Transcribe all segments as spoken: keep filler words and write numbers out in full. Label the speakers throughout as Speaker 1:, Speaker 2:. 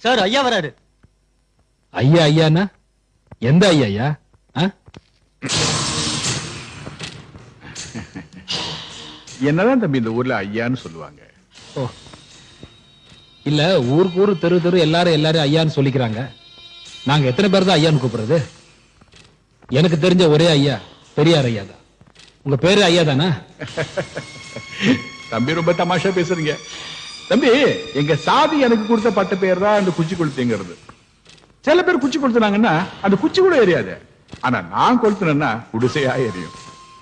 Speaker 1: Sir ஐயா வராரு.
Speaker 2: ஐயா ஐயாண்ணா எந்த ஐயா ஐயா?
Speaker 3: என்னதான் தம்பி இந்த ஊர்ல ஐயான்னு சொல்லுவாங்க?
Speaker 2: ஓ இல்ல, ஊருக்கு ஊரு தெரு தெரு எல்லாரும் எல்லாரும் ஐயான்னு சொல்லிக்கிறாங்க. நாங்க எத்தனை பேர் தான் ஐயான்னு கூப்பிடுறது? எனக்கு தெரிஞ்ச ஒரே ஐயா பெரியார் ஐயா தான். உங்க பேரு ஐயா தானா?
Speaker 3: தம்பி ரொம்ப தமாஷா பேசுறீங்க. தம்பி, எங்க சாதி எனக்கு கொடுத்த பட்ட பேர் தான் அந்த குச்சி கொளுத்துங்கிறது. சில பேர் குச்சி கொளுத்துனாங்கன்னா அந்த குச்சி கூட எரியாது. ஆனா நான் கொளுத்துனேன்னா குடிசையா எரியும்.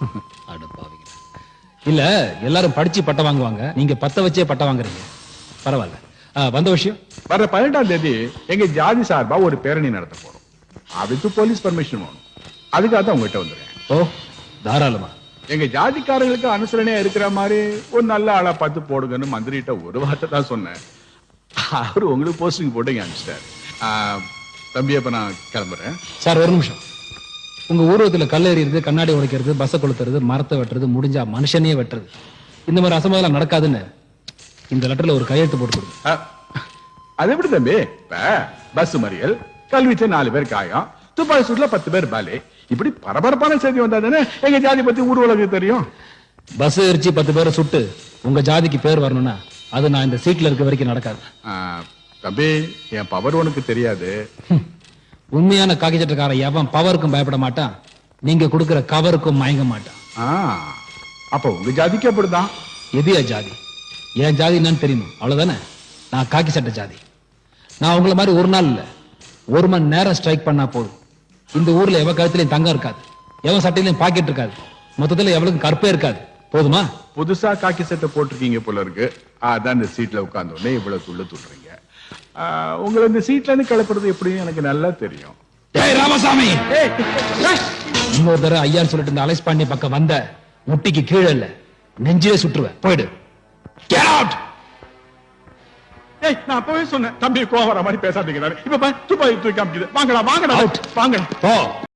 Speaker 2: இல்ல, எல்லாரும் படிச்சு பட்டம் வாங்குவாங்க, நீங்க பத்த வச்சே பட்டம் வாங்குறீங்க. பரவாயில்ல. வந்த விஷயம்,
Speaker 3: வர பதினெட்டாம் தேதி எங்க ஜாதி சார்பா ஒரு பேரணி நடத்த போறோம். அதுக்கு போலீஸ் பர்மிஷன் வேணும். அதுக்காக தான் உங்ககிட்ட வந்துடுறேன்.
Speaker 2: ஓ தாராளமா.
Speaker 3: எங்க ஜாதிக்காரங்களுக்கு அனுசரணையா இருக்கிற மாதிரி ஒரு நல்ல ஆளா பார்த்து போடுங்கன்னு மந்திரிட்ட ஒரு வார்த்தை தான் சொன்னேன். அவரு உங்களுக்கு போஸ்டிங் போட்டு இங்க அனுப்பிச்சிட்டாரு. தம்பி, அப்ப நான் கிளம்புறேன்.
Speaker 2: சார் ஒரு நிமிஷம். உங்க ஊர்வலத்துல கல் எறியறது, கண்ணாடி உடைக்கிறது, பஸ்ஸை கொளுத்துறது, மரத்தை வெட்டுறது, முடிஞ்சா மனுஷனே வெட்டுறது, இந்த மாதிரி அசம்பாவிதம் நடக்காதுன்னு இந்த லெட்டர்ல ஒரு கையெழுத்து போட்டு கொடுங்க.
Speaker 3: அது எப்படி தம்பி? பஸ் மறியல், கல்விச்ச நாலு பேர் காயம், துப்பாக்கி சூட்ல பத்து பேர் பாலே, இப்படி பரபரப்பான செய்தி வந்தா தானே எங்க ஜாதி பத்தி ஊர் உலகம் தெரியும்.
Speaker 2: பஸ் எரிச்சு பத்து பேரை சுட்டு உங்க ஜாதிக்கு பேர் வரணும்னா அது நான் இந்த சீட்ல இருக்க வரைக்கும் நடக்காது.
Speaker 3: தம்பி, என் பவர் உனக்கு தெரியாது.
Speaker 2: உண்மையான காக்கி சட்டக்காரன் எவன் பவருக்கும் பயப்பட மாட்டான், நீங்க கொடுக்கிற கவருக்கும் மயங்க மாட்டான்.
Speaker 3: அப்ப உங்க ஜாதிக்கு அப்படிதான்.
Speaker 2: எதியா ஜாதி? என் ஜாதி என்னன்னு தெரியுமா? அவ்வளவுதானே. நான் காக்கி சட்ட ஜாதி. நான் உங்களை மாதிரி ஒரு நாள் இல்ல, ஒரு மணி நேரம் ஸ்ட்ரைக் பண்ணா போதும். இந்த ஊர்ல எவன் கழுத்துலயும் தங்கம் இருக்காது, எவன் சட்டையிலையும் பாக்கெட் இருக்காது, மொத்தத்துல எவளுக்கும் கற்பே இருக்காது. போதுமா?
Speaker 3: புதுசா காக்கி சட்டை போட்டிருக்கீங்க போல இருக்கு. அதான் இந்த சீட்ல உட்கார்ந்த உடனே இவ்வளவு துள்ள துள்ளுறீங்க. உங்களை இந்த சீட்ல இருந்து கிளப்புறது எப்படின்னு எனக்கு நல்லா தெரியும்.
Speaker 2: ராமசாமி, இன்னொரு தடவை ஐயான்னு சொல்லிட்டு இந்த அலைஸ் பாண்டிய பக்கம் வந்த முட்டிக்கு கீழே இல்ல நெஞ்சிலே சுற்றுவேன். போயிடு. Get out!
Speaker 3: ஏய், நான் அப்பவே சொன்னேன் தம்பி கோவம் வர மாதிரி பேசாதீங்க. இப்ப துப்பாக்கி தூக்கி காமிக்குது. வாங்கடா வாங்கடா வாங்கடா.
Speaker 2: போ.